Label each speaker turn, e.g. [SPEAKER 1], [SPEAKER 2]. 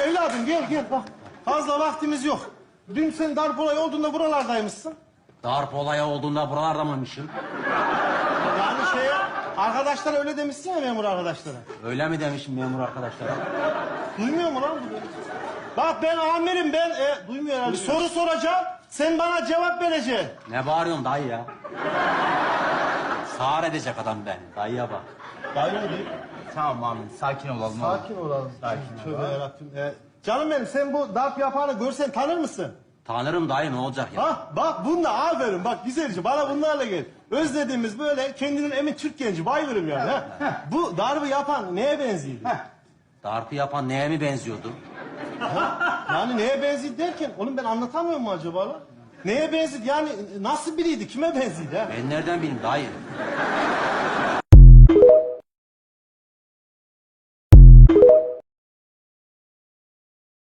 [SPEAKER 1] evladım gel bak. Fazla vaktimiz yok. Dün sen darp olayı olduğunda buralardaymışsın.
[SPEAKER 2] Darp olayı olduğunda buralarda mıymışım?
[SPEAKER 1] Yani arkadaşlara öyle demişsin ya, memur arkadaşlara.
[SPEAKER 2] Öyle mi demişim memur arkadaşlara?
[SPEAKER 1] Duymuyor mu lan bu? Bak ben amirim, duymuyor herhalde. Soru soracağım, sen bana cevap vereceksin.
[SPEAKER 2] Ne bağırıyorsun dayı ya? Sağır edecek adam beni. Dayıya bak.
[SPEAKER 1] Dayı mı değil?
[SPEAKER 3] Tamam amirim, sakin olalım.
[SPEAKER 1] Sakin olalım.
[SPEAKER 3] Sakin
[SPEAKER 1] Tövbe
[SPEAKER 3] olalım.
[SPEAKER 1] yarabbim. Canım benim, sen bu darp yapanı görsen tanır mısın?
[SPEAKER 2] Tanırım dayı, ne olacak ya?
[SPEAKER 1] Ha bak bununla aferin, bak güzelce bana bunlarla gel. Özlediğimiz böyle kendinin emin Türk genci, bayılırım yani. Ha? Bu darbı yapan neye benziyordu?
[SPEAKER 2] Darpı yapan neye mi benziyordu?
[SPEAKER 1] Yani neye benziyordu derken, oğlum ben anlatamıyorum mu acaba lan? Neye benziyordu yani, nasıl biriydi, kime benziyordu ha?
[SPEAKER 2] Ben nereden bileyim dayı?